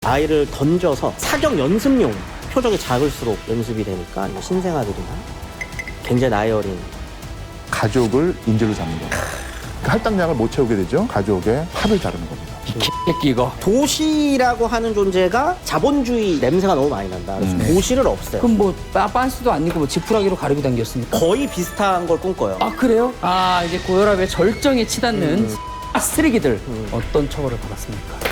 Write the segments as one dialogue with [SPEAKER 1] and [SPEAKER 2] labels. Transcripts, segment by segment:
[SPEAKER 1] 아이를 던져서 사격 연습용 표적이 작을수록 연습이 되니까 신생아들이나 굉장히 나이 어린
[SPEAKER 2] 가족을 인질로 잡는 겁니다. 그 할당량을 못 채우게 되죠. 가족의 합을 자르는 겁니다.
[SPEAKER 3] 새끼 이거.
[SPEAKER 1] 도시라고 하는 존재가 자본주의 냄새가 너무 많이 난다. 그래서 도시를 없애요.
[SPEAKER 3] 그럼 뭐 빤스도 아니고 뭐 지푸라기로 가르고 다녔습니까?
[SPEAKER 1] 거의 비슷한 걸 꿈꿔요.
[SPEAKER 3] 아 그래요? 아 이제 고혈압의 절정에 치닫는 쓰레기들 어떤 처벌을 받았습니까?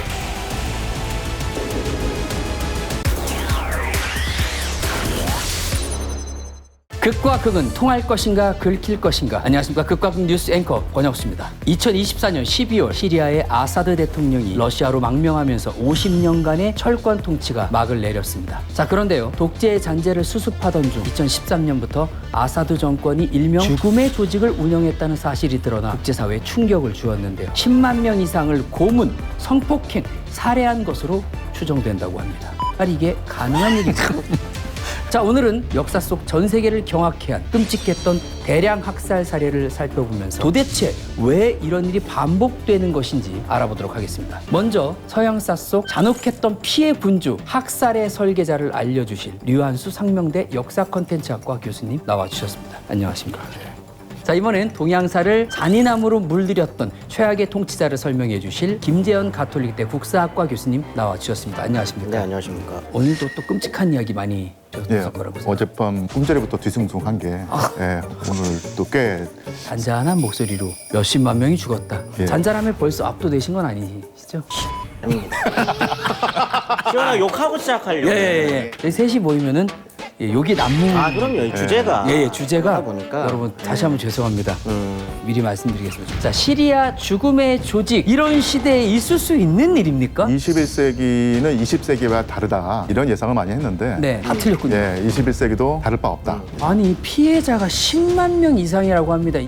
[SPEAKER 3] 극과 극은 통할 것인가 긁힐 것인가. 안녕하십니까. 극과 극 뉴스 앵커 권혁수입니다. 2024년 12월 시리아의 아사드 대통령이 러시아로 망명하면서 50년간의 철권 통치가 막을 내렸습니다. 자 그런데요. 독재의 잔재를 수습하던 중 2013년부터 아사드 정권이 일명 죽음의 조직을 운영했다는 사실이 드러나 국제사회에 충격을 주었는데요. 10만 명 이상을 고문, 성폭행, 살해한 것으로 추정된다고 합니다. 아니 이게 가능한 일일까? 자 오늘은 역사 속 전 세계를 경악해 한 끔찍했던 대량 학살 사례를 살펴보면서 도대체 왜 이런 일이 반복되는 것인지 알아보도록 하겠습니다. 먼저 서양사 속 잔혹했던 피해 분주 학살의 설계자를 알려주실 류한수 상명대 역사 컨텐츠학과 교수님 나와주셨습니다. 안녕하십니까. 자 이번엔 동양사를 잔인함으로 물들였던 최악의 통치자를 설명해 주실 김재현 가톨릭대 국사학과 교수님 나와주셨습니다. 안녕하십니까.
[SPEAKER 1] 네, 안녕하십니까.
[SPEAKER 3] 오늘도 또 끔찍한 이야기 많이 들었을 거라고 생각합니다.
[SPEAKER 2] 어젯밤 꿈자리부터 뒤숭숭한 게 오늘 또 꽤
[SPEAKER 3] 잔잔한 목소리로 몇십만 명이 죽었다.
[SPEAKER 2] 예.
[SPEAKER 3] 잔잔함에 벌써 압도되신 건 아니시죠?
[SPEAKER 1] 아닙니다. 시원하게 욕하고 시작하려고.
[SPEAKER 3] 예. 저희 셋이 모이면은 욕이 난무.
[SPEAKER 1] 아 그럼요. 이 주제가.
[SPEAKER 3] 주제가
[SPEAKER 1] 하다 보니까.
[SPEAKER 3] 여러분 다시 한번 죄송합니다. 미리 말씀드리겠습니다. 자, 시리아 죽음의 조직 이런 시대에 있을 수 있는 일입니까?
[SPEAKER 2] 21세기는 20세기와 다르다 이런 예상을 많이 했는데
[SPEAKER 3] 네, 다 틀렸군요.
[SPEAKER 2] 21세기도 다를 바 없다.
[SPEAKER 3] 아니 피해자가 10만 명 이상이라고 합니다.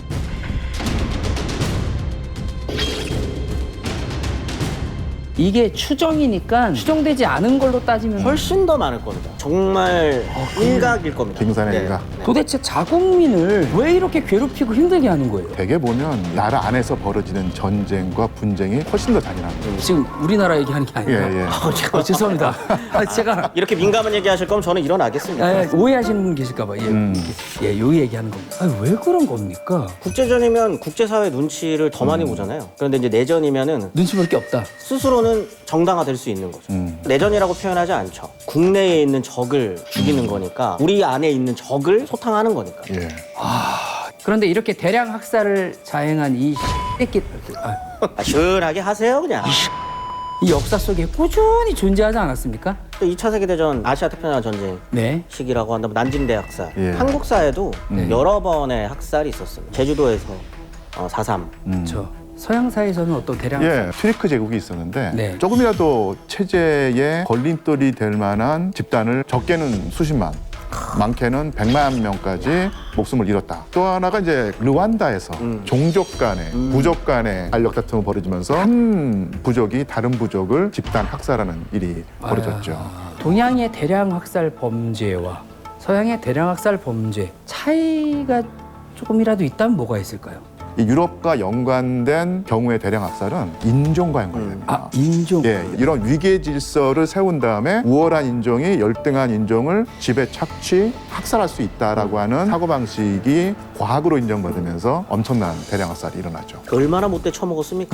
[SPEAKER 3] 이게 추정이니까 추정되지 않은 걸로 따지면
[SPEAKER 1] 훨씬 더 많을 겁니다. 정말 일각일 겁니다.
[SPEAKER 2] 빙산의
[SPEAKER 1] 네.
[SPEAKER 2] 일각.
[SPEAKER 3] 도대체 자국민을 왜 이렇게 괴롭히고 힘들게 하는 거예요?
[SPEAKER 2] 대개 보면 나라 안에서 벌어지는 전쟁과 분쟁이 훨씬 더 잔인합니다.
[SPEAKER 3] 지금 우리나라 얘기하는 게 아니에요. 죄송합니다. 제가
[SPEAKER 1] 이렇게 민감한 얘기하실 거면 저는 일어나겠습니다.
[SPEAKER 3] 오해하시는 분 계실까 봐요. 요 얘기하는 겁니다. 아니, 왜 그런 겁니까?
[SPEAKER 1] 국제전이면 국제사회 눈치를 더 많이 보잖아요. 그런데 이제 내전이면은
[SPEAKER 3] 눈치 볼 게 없다.
[SPEAKER 1] 스스로는 정당화될 수 있는 거죠. 내전이라고 표현하지 않죠. 국내에 있는 적을 죽이는 거니까 우리 안에 있는 적을 소탕하는 거니까.
[SPEAKER 2] 예.
[SPEAKER 3] 그런데 이렇게 대량 학살을 자행한 이 새끼
[SPEAKER 1] 시원하게 하세요 그냥.
[SPEAKER 3] 이 역사 속에 꾸준히 존재하지 않았습니까?
[SPEAKER 1] 또 2차 세계대전 아시아 태평양 전쟁
[SPEAKER 3] 네.
[SPEAKER 1] 시기라고 한다면 난징대 학살.
[SPEAKER 2] 예.
[SPEAKER 1] 한국사에도 여러 번의 학살이 있었습니다. 제주도에서 4.3.
[SPEAKER 3] 서양사에서는 어떤 대량 학살?
[SPEAKER 2] 튀르크 제국이 있었는데
[SPEAKER 3] 네.
[SPEAKER 2] 조금이라도 체제에 걸림돌이 될 만한 집단을 적게는 수십만, 많게는 100만 명까지 목숨을 잃었다. 또 하나가 이제 르완다에서 종족 간의, 부족 간의 알력 다툼이 벌어지면서 한 부족이 다른 부족을 집단 학살하는 일이 벌어졌죠.
[SPEAKER 3] 동양의 대량 학살 범죄와 서양의 대량 학살 범죄 차이가 조금이라도 있다면 뭐가 있을까요?
[SPEAKER 2] 이 유럽과 연관된 경우의 대량 학살은 인종과 연관됩니다.
[SPEAKER 3] 인종.
[SPEAKER 2] 예, 이런 위계 질서를 세운 다음에 우월한 인종이 열등한 인종을 집에 착취, 학살할 수 있다라고 하는 사고방식이 과학으로 인정받으면서 엄청난 대량 학살이 일어나죠.
[SPEAKER 1] 얼마나 못돼 처먹었습니까?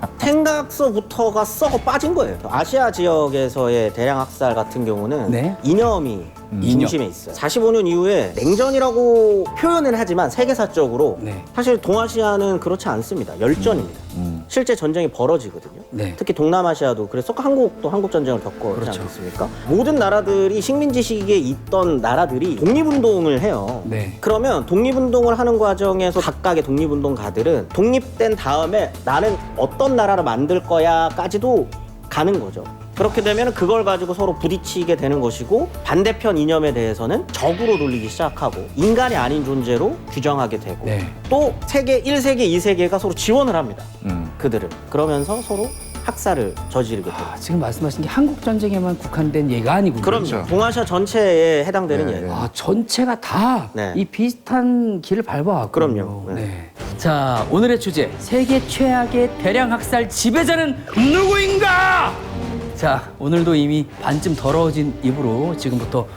[SPEAKER 1] 생각서부터가 썩어 빠진 거예요. 아시아 지역에서의 대량 학살 같은 경우는
[SPEAKER 3] 네.
[SPEAKER 1] 이념이 중심에 있어요. 45년 이후에 냉전이라고 표현은 하지만 세계사적으로
[SPEAKER 3] 네.
[SPEAKER 1] 사실 동아시아는 그렇지 않습니다. 열전입니다. 실제 전쟁이 벌어지거든요.
[SPEAKER 3] 네.
[SPEAKER 1] 특히 동남아시아도 그래서 한국도 한국 전쟁을 겪었지
[SPEAKER 3] 그렇죠.
[SPEAKER 1] 않습니까? 모든 나라들이 식민지 시기에 있던 나라들이 독립운동을 해요.
[SPEAKER 3] 네.
[SPEAKER 1] 그러면 독립운동을 하는 과정에서 각각의 독립운동가들은 독립된 다음에 나는 어떤 나라를 만들 거야까지도 가는 거죠. 그렇게 되면 그걸 가지고 서로 부딪히게 되는 것이고 반대편 이념에 대해서는 적으로 돌리기 시작하고 인간이 아닌 존재로 규정하게 되고
[SPEAKER 3] 네.
[SPEAKER 1] 또 세계 1세계, 2세계가 서로 지원을 합니다. 그들을. 그러면서 서로 학살을 저지르게 돼요.
[SPEAKER 3] 지금 말씀하신 게 한국 전쟁에만 국한된 예가 아니군요.
[SPEAKER 1] 그럼요.
[SPEAKER 2] 그렇죠.
[SPEAKER 1] 동아시아 전체에 해당되는
[SPEAKER 2] 예,
[SPEAKER 1] 예예요.
[SPEAKER 2] 예.
[SPEAKER 3] 전체가 다 이
[SPEAKER 1] 네.
[SPEAKER 3] 비슷한 길을 밟아왔군요.
[SPEAKER 1] 그럼요.
[SPEAKER 3] 네. 자, 오늘의 주제 세계 최악의 대량 학살 지배자는 누구인가? 자, 오늘도 이미 반쯤 더러워진 입으로 지금부터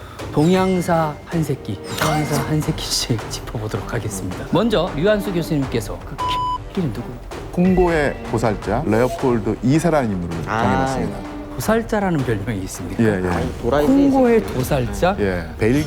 [SPEAKER 3] 동양사 한 새끼, 동양사 한 새끼씩 짚어보도록 하겠습니다. 먼저 류한수 교수님께서 그 X끼는 누구입니까?
[SPEAKER 2] 콩고의 보살자 레오폴드 2세라는 인물을 정해놨습니다.
[SPEAKER 3] 도살자라는 별명이 있습니까?
[SPEAKER 2] 예, 예.
[SPEAKER 1] 아니, 도라이
[SPEAKER 3] 콩고의 도살자?
[SPEAKER 2] 예,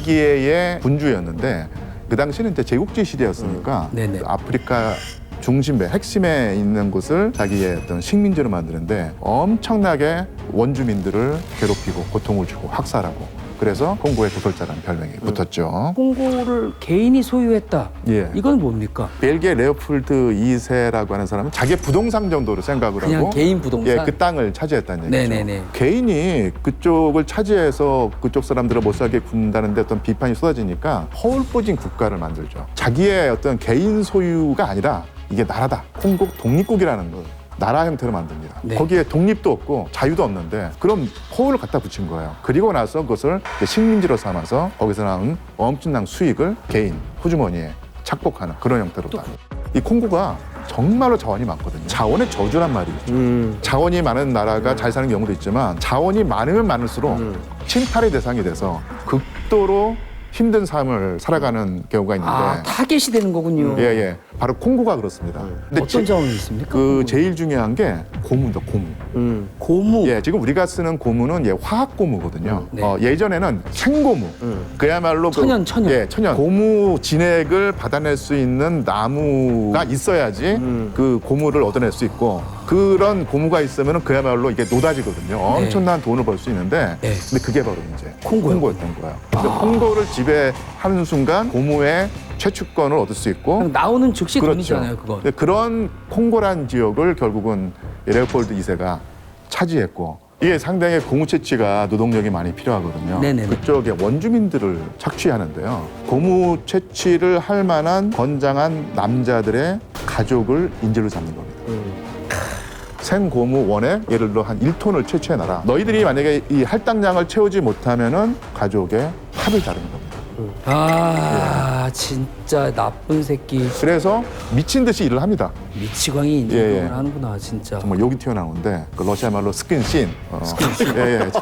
[SPEAKER 2] 벨기에의 군주였는데 그 당시는 이제 제국주의 시대였으니까
[SPEAKER 3] 네네.
[SPEAKER 2] 아프리카 중심배, 핵심에 있는 곳을 자기의 어떤 식민지로 만드는데 엄청나게 원주민들을 괴롭히고 고통을 주고 학살하고 그래서 콩고의 도살자라는 별명이 붙었죠.
[SPEAKER 3] 콩고를 개인이 소유했다.
[SPEAKER 2] 예.
[SPEAKER 3] 이건 뭡니까?
[SPEAKER 2] 벨기에 레오폴드 2세라고 하는 사람은 자기의 부동산 정도로 생각을
[SPEAKER 3] 그냥
[SPEAKER 2] 하고
[SPEAKER 3] 개인 부동산?
[SPEAKER 2] 예, 그 땅을 차지했다는 얘기죠.
[SPEAKER 3] 네네네.
[SPEAKER 2] 개인이 그쪽을 차지해서 그쪽 사람들을 못 살게 군다는데 어떤 비판이 쏟아지니까 허울뽀진 국가를 만들죠. 자기의 어떤 개인 소유가 아니라 이게 나라다. 콩고 독립국이라는 걸 나라 형태로 만듭니다.
[SPEAKER 3] 네.
[SPEAKER 2] 거기에 독립도 없고 자유도 없는데 그럼 허울을 갖다 붙인 거예요. 그리고 나서 그것을 식민지로 삼아서 거기서 나온 엄청난 수익을 개인 호주머니에 착복하는 그런 형태로다. 이 콩고가 정말로 자원이 많거든요. 자원의 저주란 말이 있죠. 자원이 많은 나라가 잘 사는 경우도 있지만 자원이 많으면 많을수록 침탈의 대상이 돼서 극도로 힘든 삶을 살아가는 경우가 있는데
[SPEAKER 3] 아, 타겟이 되는 거군요.
[SPEAKER 2] 예, 예. 바로 콩고가 그렇습니다. 근데
[SPEAKER 3] 어떤 자원이 있습니까?
[SPEAKER 2] 그 제일 중요한 게 고무입니다. 고무.
[SPEAKER 3] 고무.
[SPEAKER 2] 예, 지금 우리가 쓰는 고무는 예, 화학 고무거든요.
[SPEAKER 3] 네.
[SPEAKER 2] 예전에는 생고무. 그야말로
[SPEAKER 3] 천연.
[SPEAKER 2] 예, 천연. 고무 진액을 받아낼 수 있는 나무가 있어야지 그 고무를 얻어낼 수 있고 그런 고무가 있으면 그야말로 이게 노다지거든요. 엄청난 돈을 벌 수 있는데
[SPEAKER 3] 네.
[SPEAKER 2] 근데 그게 바로 이제
[SPEAKER 3] 콩고요.
[SPEAKER 2] 콩고였던 거예요. 근데 콩고를 지배하는 순간 고무의 최축권을 얻을 수 있고
[SPEAKER 3] 그럼 나오는 즉시 돈이잖아요, 그건.
[SPEAKER 2] 근데 그런 콩고란 지역을 결국은 레오폴드 2세가 차지했고 이게 상당히 고무 채취가 노동력이 많이 필요하거든요.
[SPEAKER 3] 네네네.
[SPEAKER 2] 그쪽에 원주민들을 착취하는데요. 고무 채취를 할 만한 건장한 남자들의 가족을 인질로 잡는 겁니다. 생고무 원에 예를 들어 한 1톤을 채취해놔라. 너희들이 만약에 이 할당량을 채우지 못하면은 가족의 합을 자르는 겁니다.
[SPEAKER 3] 아, 진짜 나쁜 새끼.
[SPEAKER 2] 그래서 미친 듯이 일을 합니다.
[SPEAKER 3] 미치광이
[SPEAKER 2] 예,
[SPEAKER 3] 인정을
[SPEAKER 2] 예.
[SPEAKER 3] 하는구나, 진짜.
[SPEAKER 2] 정말 욕이 튀어나오는데 그 러시아 말로 스킨신. 스킨신. 예, 예.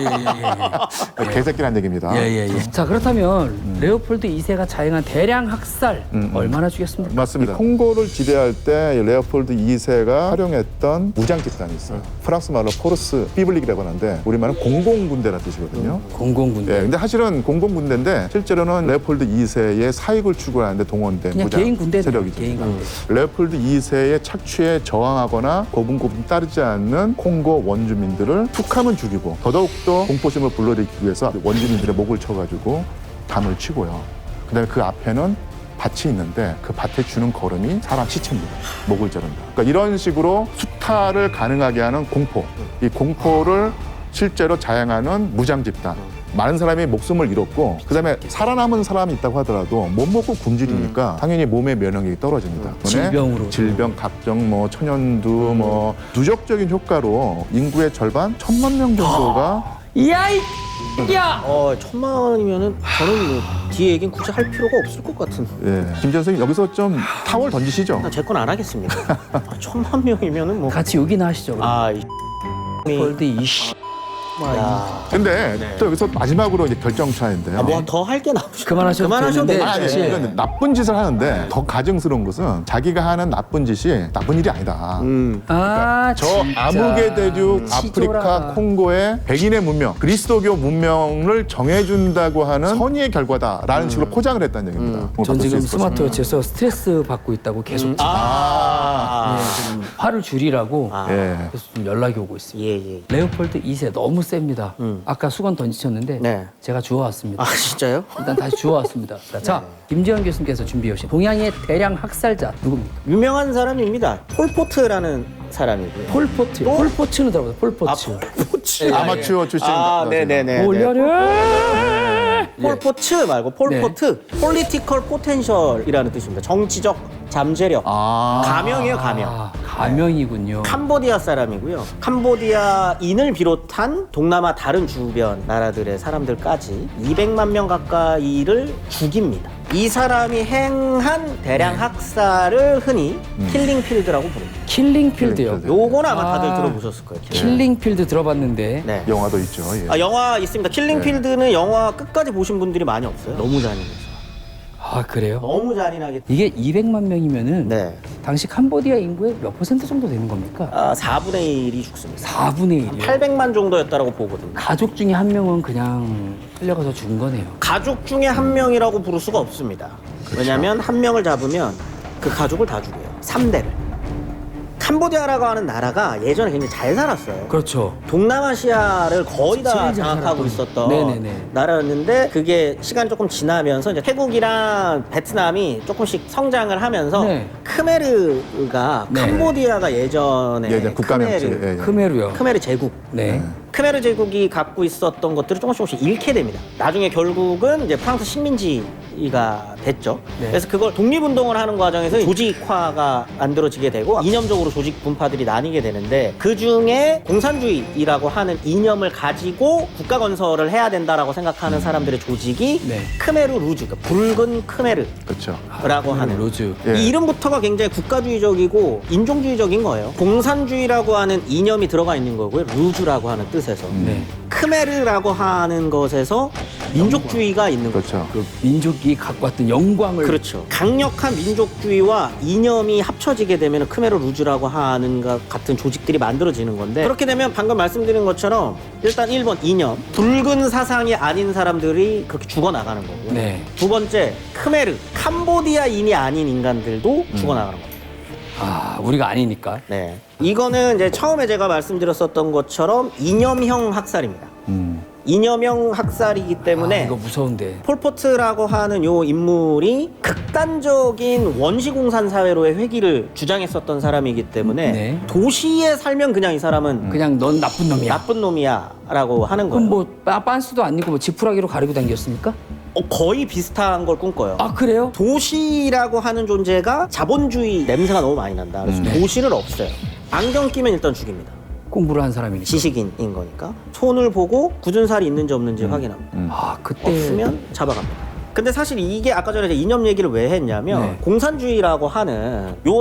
[SPEAKER 2] 개새끼란 얘기입니다.
[SPEAKER 3] 예. 자, 그렇다면 레오폴드 2세가 자행한 대량 학살 얼마나 주겠습니까?
[SPEAKER 2] 맞습니다. 콩고를 지배할 때 레오폴드 2세가 활용했던 무장 집단이 있어요. 프랑스 말로 포르스 비블릭이라고 하는데 우리말은 공공군대라는 뜻이거든요.
[SPEAKER 3] 공공군대.
[SPEAKER 2] 예, 근데 사실은 공공군대인데 실제로는 레오폴드 2세의 사익을 추구하는데 동원된
[SPEAKER 3] 그냥
[SPEAKER 2] 무장
[SPEAKER 3] 개인 군대
[SPEAKER 2] 세력이죠.
[SPEAKER 3] 개인 군대.
[SPEAKER 2] 레오폴드 2세의 착취에 저항하거나 고분고분 따르지 않는 콩고 원주민들을 툭하면 죽이고 더더욱더 공포심을 불러일으키기 위해서 원주민들의 목을 쳐가지고 담을 치고요. 그다음에 그 앞에는 밭이 있는데 그 밭에 주는 걸음이 사람 시체입니다. 목을 자른다. 그러니까 이런 식으로 수탈을 가능하게 하는 공포. 이 공포를 실제로 자행하는 무장 집단. 많은 사람이 목숨을 잃었고 그다음에 살아남은 사람이 있다고 하더라도 못 먹고 굶주리니까 당연히 몸의 면역력이 떨어집니다.
[SPEAKER 3] 질병으로.
[SPEAKER 2] 질병, 각종 뭐 천연두 뭐 누적적인 효과로 인구의 절반 1,000만 명 정도가
[SPEAKER 3] 이야, 야!
[SPEAKER 1] 1,000만 원이면은 저는 뭐 뒤에 얘기는 굳이 할 필요가 없을 것 같은.
[SPEAKER 2] 예. 김 선생님 여기서 좀 타월 던지시죠.
[SPEAKER 1] 제 건 안 하겠습니다. 1,000만 명이면은 뭐.
[SPEAKER 3] 같이 욕이나 하시죠.
[SPEAKER 1] 아,
[SPEAKER 3] 레오폴드 2세.
[SPEAKER 1] 야.
[SPEAKER 2] 근데 또 여기서 마지막으로 이제 결정차인데요.
[SPEAKER 1] 뭐 더 할 게 나오죠.
[SPEAKER 3] 그만하셔도 되는데.
[SPEAKER 2] 아니,
[SPEAKER 3] 사실.
[SPEAKER 2] 이건 나쁜 짓을 하는데 더 가증스러운 것은 자기가 하는 나쁜 짓이 나쁜 일이 아니다.
[SPEAKER 3] 아,
[SPEAKER 2] 저
[SPEAKER 3] 진짜.
[SPEAKER 2] 아무개 대륙
[SPEAKER 3] 치졸하다.
[SPEAKER 2] 아프리카 콩고의 백인의 문명, 그리스도교 문명을 정해준다고 하는 선의의 결과다라는 식으로 포장을 했다는 얘기입니다.
[SPEAKER 3] 전 지금 스마트워치에서 스트레스 받고 있다고 계속 좀 화를 줄이라고
[SPEAKER 2] 예.
[SPEAKER 3] 계속 좀 연락이 오고 있습니다.
[SPEAKER 1] 예.
[SPEAKER 3] 레오폴드 2세 너무 셉니다. 아까 수건 던지셨는데
[SPEAKER 1] 네.
[SPEAKER 3] 제가 주워왔습니다.
[SPEAKER 1] 아, 진짜요?
[SPEAKER 3] 일단 다시 주워왔습니다. 자, 김지현 교수님께서 준비해 오신 동양의 대량 학살자 누굽니까?
[SPEAKER 1] 유명한 사람입니다. 폴포트라는 사람이고요.
[SPEAKER 3] 폴포트. 폴포츠는 들어보세요. 폴포츠.
[SPEAKER 1] 폴포츠.
[SPEAKER 2] 아마추어 출신.
[SPEAKER 1] 네네네.
[SPEAKER 3] 올려라!
[SPEAKER 1] 폴포츠 말고 폴포트. 폴리티컬 포텐셜이라는 뜻입니다. 정치적 잠재력. 가명이에요, 가명.
[SPEAKER 3] 아, 가명이군요.
[SPEAKER 1] 캄보디아 사람이고요. 캄보디아인을 비롯한 동남아 다른 주변 나라들의 사람들까지 200만 명 가까이를 죽입니다. 이 사람이 행한 대량 학살을 흔히 킬링필드라고 부릅니다.
[SPEAKER 3] 킬링필드요.
[SPEAKER 2] 킬링필드.
[SPEAKER 1] 요거는 아마 다들
[SPEAKER 3] 아.
[SPEAKER 1] 들어보셨을 거예요.
[SPEAKER 3] 킬링필드 들어봤는데
[SPEAKER 1] 네.
[SPEAKER 2] 영화도 있죠. 예.
[SPEAKER 1] 아, 영화 있습니다. 킬링필드는 영화 끝까지 보신 분들이 많이 없어요. 너무 잔인해서.
[SPEAKER 3] 아 그래요?
[SPEAKER 1] 너무 잔인하게.
[SPEAKER 3] 이게 200만 명이면은
[SPEAKER 1] 네.
[SPEAKER 3] 당시 캄보디아 인구의 몇 퍼센트 정도 되는 겁니까?
[SPEAKER 1] 아, 4분의 1이 죽습니다.
[SPEAKER 3] 4분의 1이요.
[SPEAKER 1] 800만 정도였다라고 보거든요.
[SPEAKER 3] 가족 중에 한 명은 그냥 끌려가서 죽은 거네요.
[SPEAKER 1] 가족 중에 한 명이라고 부를 수가 없습니다. 왜냐하면 한 명을 잡으면 그 가족을 다 죽여요. 3대를. 캄보디아라고 하는 나라가 예전에 굉장히 잘 살았어요.
[SPEAKER 3] 그렇죠.
[SPEAKER 1] 동남아시아를 거의 다
[SPEAKER 3] 제일 잘
[SPEAKER 1] 장악하고
[SPEAKER 3] 살았던.
[SPEAKER 1] 있었던
[SPEAKER 3] 네네네.
[SPEAKER 1] 나라였는데 그게 시간 조금 지나면서 이제 태국이랑 베트남이 조금씩 성장을 하면서
[SPEAKER 3] 네.
[SPEAKER 1] 크메르가
[SPEAKER 3] 네.
[SPEAKER 1] 캄보디아가 예전
[SPEAKER 2] 국가명칭.
[SPEAKER 1] 크메르,
[SPEAKER 2] 예, 예.
[SPEAKER 3] 크메루요.
[SPEAKER 1] 크메르 제국
[SPEAKER 3] 네.
[SPEAKER 1] 크메르 제국이 갖고 있었던 것들을 조금씩 잃게 됩니다. 나중에 결국은 이제 프랑스 식민지가 됐죠.
[SPEAKER 3] 네.
[SPEAKER 1] 그래서 그걸 독립운동을 하는 과정에서 조직화가 만들어지게 되고 이념적으로 조직 분파들이 나뉘게 되는데 그 중에 공산주의라고 하는 이념을 가지고 국가 건설을 해야 된다라고 생각하는 사람들의 조직이
[SPEAKER 3] 네.
[SPEAKER 1] 크메르 루즈, 그러니까 붉은 크메르.
[SPEAKER 2] 그렇죠.
[SPEAKER 1] 라고
[SPEAKER 3] 크메루
[SPEAKER 1] 하는
[SPEAKER 3] 로즈.
[SPEAKER 2] 예.
[SPEAKER 1] 이 이름부터가 굉장히 국가주의적이고 인종주의적인 거예요. 공산주의라고 하는 이념이 들어가 있는 거고요. 루즈라고 하는 뜻에서.
[SPEAKER 3] 네.
[SPEAKER 1] 크메르라고 하는 것에서 민족주의가 있는 거죠.
[SPEAKER 2] 그렇죠.
[SPEAKER 3] 그 민족이 갖고 왔던 영광을
[SPEAKER 1] 그렇죠. 강력한 민족주의와 이념이 합쳐지게 되면 크메르 루즈라고 하는 것 같은 조직들이 만들어지는 건데 그렇게 되면 방금 말씀드린 것처럼 일단 1번 이념, 붉은 사상이 아닌 사람들이 그렇게 죽어나가는 거고요.
[SPEAKER 3] 네.
[SPEAKER 1] 두 번째 크메르, 캄보디아인이 아닌 인간들도 죽어나가는 겁니다.
[SPEAKER 3] 아 우리가 아니니까.
[SPEAKER 1] 네. 이거는 이제 처음에 제가 말씀드렸었던 것처럼 이념형 학살입니다. 이념형 학살이기 때문에
[SPEAKER 3] 아, 이거 무서운데.
[SPEAKER 1] 폴포트라고 하는 요 인물이 극단적인 원시공산 사회로의 회귀를 주장했었던 사람이기 때문에
[SPEAKER 3] 네.
[SPEAKER 1] 도시에 살면 그냥 이 사람은
[SPEAKER 3] 그냥 넌 나쁜 놈이야.
[SPEAKER 1] 나쁜 놈이야라고 하는
[SPEAKER 3] 그럼
[SPEAKER 1] 거예요.
[SPEAKER 3] 뭐 빤스도 아니고 뭐 지푸라기로 가리고 다녔습니까?
[SPEAKER 1] 거의 비슷한 걸 꿈꿔요.
[SPEAKER 3] 아 그래요?
[SPEAKER 1] 도시라고 하는 존재가 자본주의 냄새가 너무 많이 난다. 그래서 도시를 없애요. 안경 끼면 일단 죽입니다.
[SPEAKER 3] 공부를 한 사람이니까.
[SPEAKER 1] 지식인인 거니까. 손을 보고 굳은 살이 있는지 없는지 확인합니다.
[SPEAKER 3] 아 그때
[SPEAKER 1] 없으면 잡아갑니다. 근데 사실 이게 아까 전에 이념 얘기를 왜 했냐면
[SPEAKER 3] 네.
[SPEAKER 1] 공산주의라고 하는 요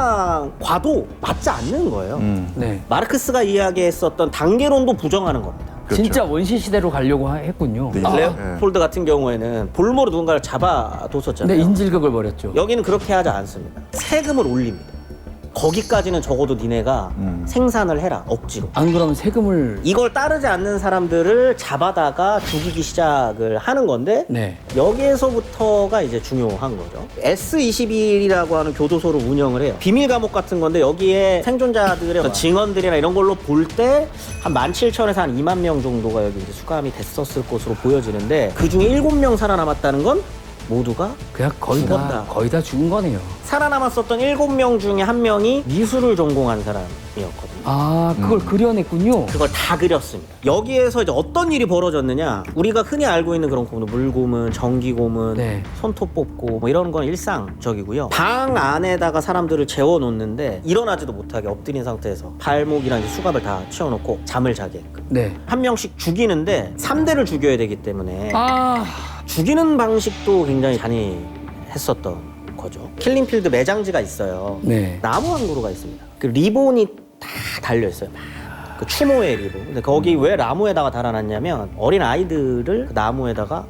[SPEAKER 1] 사상과도 맞지 않는 거예요.
[SPEAKER 3] 네.
[SPEAKER 1] 마르크스가 이야기했었던 단계론도 부정하는 겁니다.
[SPEAKER 2] 그렇죠.
[SPEAKER 3] 진짜 원시 시대로 가려고 했군요.
[SPEAKER 2] 네.
[SPEAKER 3] 아,
[SPEAKER 1] 레오폴드 같은 경우에는 볼모로 누군가를
[SPEAKER 3] 네,
[SPEAKER 1] 잡아뒀었잖아요.
[SPEAKER 3] 인질극을 벌였죠.
[SPEAKER 1] 여기는 그렇게 하지 않습니다. 세금을 올립니다. 거기까지는 적어도 니네가 생산을 해라, 억지로.
[SPEAKER 3] 안 그러면 세금을
[SPEAKER 1] 이걸 따르지 않는 사람들을 잡아다가 죽이기 시작을 하는 건데
[SPEAKER 3] 네.
[SPEAKER 1] 여기에서부터가 이제 중요한 거죠. S21이라고 하는 교도소를 운영을 해요. 비밀 감옥 같은 건데 여기에 생존자들의 어떤 증언들이나 이런 걸로 볼 때 한 17,000에서 한 2만 명 정도가 여기 이제 수감이 됐었을 것으로 보여지는데 그 중에 7명 살아남았다는 건 모두가
[SPEAKER 3] 그냥
[SPEAKER 1] 죽었다.
[SPEAKER 3] 거의 다 죽은 거네요.
[SPEAKER 1] 살아남았었던 7명 중에 한 명이 미술을 전공한 사람이었거든요.
[SPEAKER 3] 아 그걸 그려냈군요.
[SPEAKER 1] 그걸 다 그렸습니다. 여기에서 이제 어떤 일이 벌어졌느냐? 우리가 흔히 알고 있는 그런 고문, 물고문, 전기고문,
[SPEAKER 3] 네.
[SPEAKER 1] 손톱 뽑고 뭐 이런 건 일상적이고요. 방 안에다가 사람들을 재워놓는데 일어나지도 못하게 엎드린 상태에서 발목이랑 이제 수갑을 다 채워놓고 잠을 자게 했고
[SPEAKER 3] 네.
[SPEAKER 1] 한 명씩 죽이는데 3대를 죽여야 되기 때문에
[SPEAKER 3] 아
[SPEAKER 1] 죽이는 방식도 굉장히 잔인했었던 거죠. 킬링필드 매장지가 있어요.
[SPEAKER 3] 네.
[SPEAKER 1] 나무 한 그루가 있습니다. 그 리본이 다 달려 있어요. 그 추모의 리본. 근데 거기 왜 나무에다가 달아놨냐면 어린 아이들을 그 나무에다가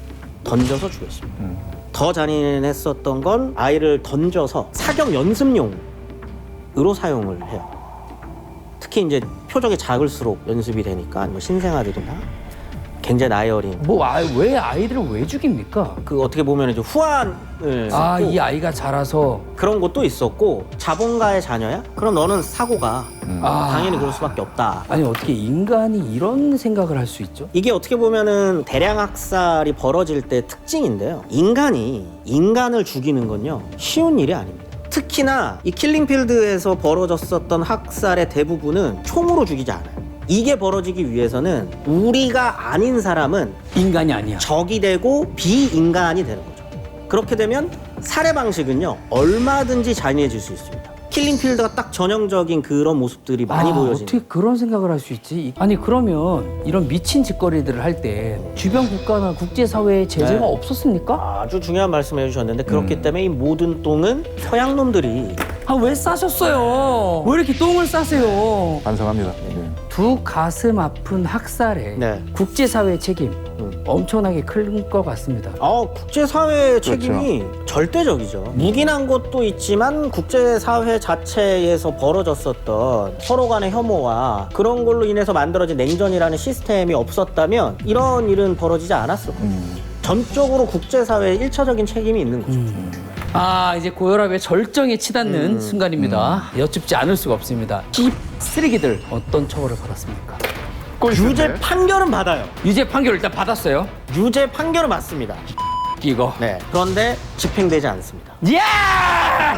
[SPEAKER 1] 던져서 죽였습니다. 더 잔인했었던 건 아이를 던져서 사격 연습용으로 사용을 해요. 특히 이제 표적이 작을수록 연습이 되니까 뭐 신생아들이나 굉장히 나이 어린
[SPEAKER 3] 왜 아이들을 왜 죽입니까?
[SPEAKER 1] 그 어떻게 보면 이제 후환을
[SPEAKER 3] 아
[SPEAKER 1] 했고
[SPEAKER 3] 이 아이가 자라서
[SPEAKER 1] 그런 것도 있었고 자본가의 자녀야? 그럼 너는 사고가 당연히 그럴 수밖에 없다.
[SPEAKER 3] 아니 어떻게 인간이 이런 생각을 할 수 있죠?
[SPEAKER 1] 이게 어떻게 보면은 대량 학살이 벌어질 때 특징인데요. 인간이 인간을 죽이는 건요 쉬운 일이 아닙니다. 특히나 이 킬링필드에서 벌어졌었던 학살의 대부분은 총으로 죽이지 않아요. 이게 벌어지기 위해서는 우리가 아닌 사람은
[SPEAKER 3] 인간이 아니야.
[SPEAKER 1] 적이 되고 비인간이 되는 거죠. 그렇게 되면 살해 방식은요 얼마든지 잔인해질 수 있습니다. 킬링필드가 딱 전형적인 그런 모습들이 많이 보여지는.
[SPEAKER 3] 어떻게 그런 생각을 할 수 있지? 아니 그러면 이런 미친 짓거리들을 할 때 주변 국가나 국제사회에 제재가
[SPEAKER 1] 네.
[SPEAKER 3] 없었습니까?
[SPEAKER 1] 아주 중요한 말씀을 해주셨는데 그렇기 때문에 이 모든 똥은 서양 놈들이
[SPEAKER 3] 아, 왜 싸셨어요? 왜 이렇게 똥을 싸세요?
[SPEAKER 2] 반성합니다. 네.
[SPEAKER 3] 두 가슴 아픈 학살에
[SPEAKER 1] 네.
[SPEAKER 3] 국제사회의 책임 엄청나게 클 것 같습니다.
[SPEAKER 1] 국제사회의 책임이 절대적이죠. 묵인한 것도 있지만 국제사회 자체에서 벌어졌었던 서로 간의 혐오와 그런 걸로 인해서 만들어진 냉전이라는 시스템이 없었다면 이런 일은 벌어지지 않았을 거예요. 전적으로 국제사회의 일차적인 책임이 있는 거죠.
[SPEAKER 3] 아, 이제 고혈압의 절정에 치닫는 순간입니다. 여쭙지 않을 수가 없습니다. 이 쓰레기들 어떤 처벌을 받았습니까?
[SPEAKER 1] 유죄 판결은 받아요.
[SPEAKER 3] 유죄 판결을 일단 받았어요.
[SPEAKER 1] 유죄 판결은 맞습니다.
[SPEAKER 3] 이거.
[SPEAKER 1] 네. 그런데 집행되지 않습니다.
[SPEAKER 3] 야!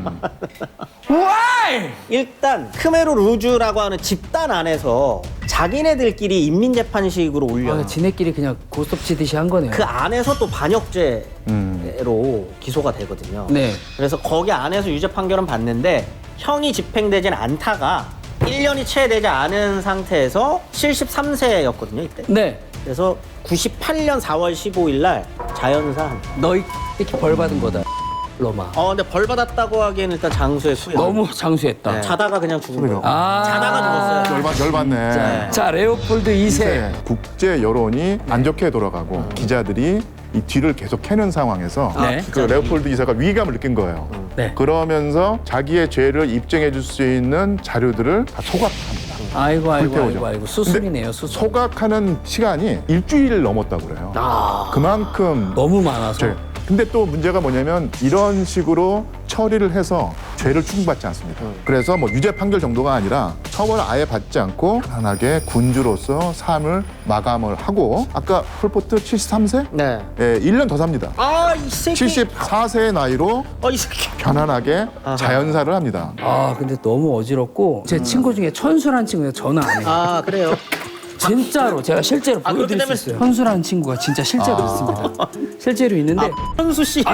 [SPEAKER 3] Why?
[SPEAKER 1] 일단 크메르 루주라고 하는 집단 안에서 자기네들끼리 인민재판식으로 올려요.
[SPEAKER 3] 아, 지네끼리 그냥 고스톱 치듯이 한 거네요.
[SPEAKER 1] 그 안에서 또 반역죄로 기소가 되거든요.
[SPEAKER 3] 네.
[SPEAKER 1] 그래서 거기 안에서 유죄 판결은 받는데 형이 집행되진 않다가 1년이 채 되지 않은 상태에서 73세였거든요, 이때.
[SPEAKER 3] 네.
[SPEAKER 1] 그래서 98년 4월 15일 날 자연사한.
[SPEAKER 3] 너희 이렇게 벌 받은 거다. 로마.
[SPEAKER 1] 근데 벌 받았다고 하기에는 일단 장수했고요.
[SPEAKER 3] 너무 장수했다.
[SPEAKER 1] 네. 자다가 그냥 죽은 거예요.
[SPEAKER 3] 아.
[SPEAKER 1] 자다가 죽었어요.
[SPEAKER 2] 열받네.
[SPEAKER 3] 자, 레오폴드 2세.
[SPEAKER 2] 국제 여론이 안 좋게 돌아가고 기자들이 이 뒤를 계속 캐는 상황에서
[SPEAKER 3] 네.
[SPEAKER 2] 그 레오폴드 이사가 위기감을 느낀 거예요.
[SPEAKER 3] 네.
[SPEAKER 2] 그러면서 자기의 죄를 입증해 줄 수 있는 자료들을 다 소각합니다.
[SPEAKER 3] 아이고.
[SPEAKER 2] 불태우죠.
[SPEAKER 3] 수순이네요, 수순.
[SPEAKER 2] 소각하는 시간이 일주일 넘었다고 그래요. 그만큼
[SPEAKER 3] 너무 많아서.
[SPEAKER 2] 근데 또 문제가 뭐냐면 이런 식으로 처리를 해서 죄를 추궁받지 않습니다. 그래서 뭐 유죄 판결 정도가 아니라 처벌을 아예 받지 않고 편안하게 군주로서 삶을 마감을 하고 아까 폴포트 73세?
[SPEAKER 1] 네.
[SPEAKER 2] 예, 1년 더 삽니다.
[SPEAKER 1] 이 새끼.
[SPEAKER 2] 74세의 나이로
[SPEAKER 1] 이 새끼.
[SPEAKER 2] 편안하게 자연사를 합니다.
[SPEAKER 3] 아, 근데 너무 어지럽고 제 친구 중에 천수라는 친구가 전화 안 해요.
[SPEAKER 1] 그래요?
[SPEAKER 3] 진짜로 제가 실제로
[SPEAKER 1] 그렇게
[SPEAKER 3] 보여드릴 수
[SPEAKER 1] 되면-
[SPEAKER 3] 있어요. 천수라는 친구가 진짜 실제로 있습니다. 실제로 있는데
[SPEAKER 1] 현수 씨.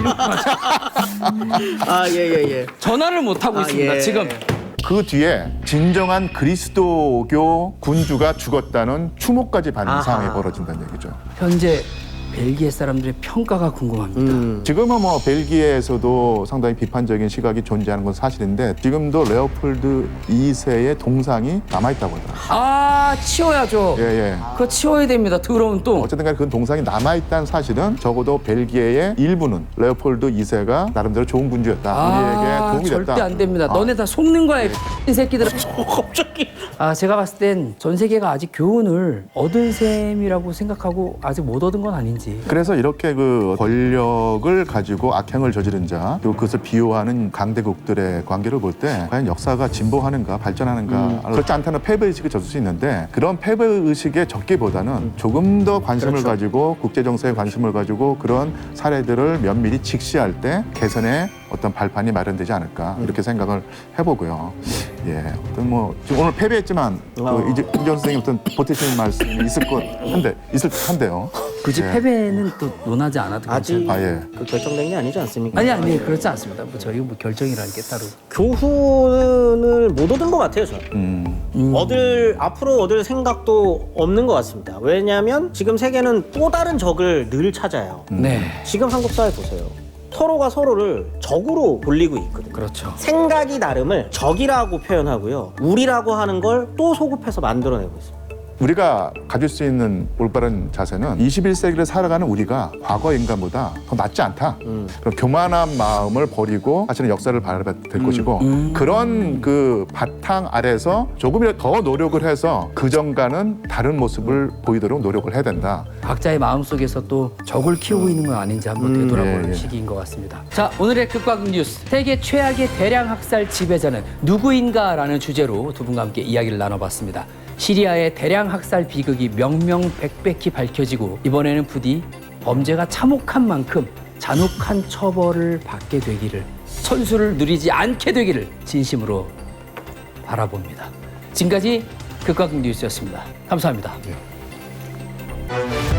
[SPEAKER 1] 예.
[SPEAKER 3] 전화를 못 하고 있습니다.
[SPEAKER 1] 예.
[SPEAKER 3] 지금
[SPEAKER 2] 그 뒤에 진정한 그리스도교 군주가 죽었다는 추모까지 받는
[SPEAKER 1] 아하.
[SPEAKER 2] 상황이 벌어진다는 얘기죠.
[SPEAKER 3] 현재 벨기에 사람들의 평가가 궁금합니다.
[SPEAKER 2] 지금은 뭐 벨기에에서도 상당히 비판적인 시각이 존재하는 건 사실인데 지금도 레오폴드 2세의 동상이 남아있다고 하더라고요.
[SPEAKER 3] 아, 치워야죠.
[SPEAKER 2] 예.
[SPEAKER 3] 그거 치워야 됩니다. 더러운 똥.
[SPEAKER 2] 어쨌든 간에 그 동상이 남아있다는 사실은 적어도 벨기에의 일부는 레오폴드 2세가 나름대로 좋은 군주였다. 우리에게 도움이 됐다.
[SPEAKER 3] 절대 안 됩니다. 너네 다 속는 거야, 이 새끼들아.
[SPEAKER 1] 갑자기.
[SPEAKER 3] 제가 봤을 땐 전 세계가 아직 교훈을 얻은 셈이라고 생각하고 아직 못 얻은 건 아닌지.
[SPEAKER 2] 그래서 이렇게 그 권력을 가지고 악행을 저지른 자 그리고 그것을 비호하는 강대국들의 관계를 볼 때 과연 역사가 진보하는가 발전하는가 그렇지 않다는 패배의식을 젖을 수 있는데 그런 패배의식에 적기보다는 조금 더 관심을 가지고 국제정세에 관심을 가지고 그런 사례들을 면밀히 직시할 때 개선의 어떤 발판이 마련되지 않을까 이렇게 생각을 해보고요. 예, 어떤 뭐 지금 오늘 패배했지만 이제 김정 선생님 어떤 보태시는 말씀이 있을 듯한데요.
[SPEAKER 3] 굳이
[SPEAKER 2] 예.
[SPEAKER 3] 패배는 또 논하지 않아도
[SPEAKER 1] 아직
[SPEAKER 3] 괜찮아요.
[SPEAKER 2] 예.
[SPEAKER 1] 그 결정된 게 아니지 않습니까?
[SPEAKER 3] 아니 그렇지 않습니다. 뭐 저희 뭐 결정이라는 게 따로.
[SPEAKER 1] 교훈을 못 얻은 것 같아요, 저는. 앞으로 얻을 생각도 없는 것 같습니다. 왜냐하면 지금 세계는 또 다른 적을 늘 찾아요.
[SPEAKER 3] 네,
[SPEAKER 1] 지금 한국 사회 보세요. 서로가 서로를 적으로 돌리고 있거든요.
[SPEAKER 3] 그렇죠.
[SPEAKER 1] 생각이 다름을 적이라고 표현하고요. 우리라고 하는 걸 또 소급해서 만들어내고 있습니다.
[SPEAKER 2] 우리가 가질 수 있는 올바른 자세는 21세기를 살아가는 우리가 과거 인간보다 더 낫지 않다. 그럼 교만한 마음을 버리고 사실은 역사를 바라봐야 될 것이고 그런 그 바탕 아래서 조금이라도 더 노력을 해서 그전과는 다른 모습을 보이도록 노력을 해야 된다.
[SPEAKER 3] 각자의 마음속에서 또 적을 키우고 있는 건 아닌지 한번 되돌아볼
[SPEAKER 2] 예.
[SPEAKER 3] 시기인 것 같습니다. 자, 오늘의 극과 극 뉴스. 세계 최악의 대량 학살 지배자는 누구인가라는 주제로 두 분과 함께 이야기를 나눠봤습니다. 시리아의 대량 학살 비극이 명명백백히 밝혀지고 이번에는 부디 범죄가 참혹한 만큼 잔혹한 처벌을 받게 되기를, 천수를 누리지 않게 되기를 진심으로 바라봅니다. 지금까지 극과 극 뉴스였습니다. 감사합니다.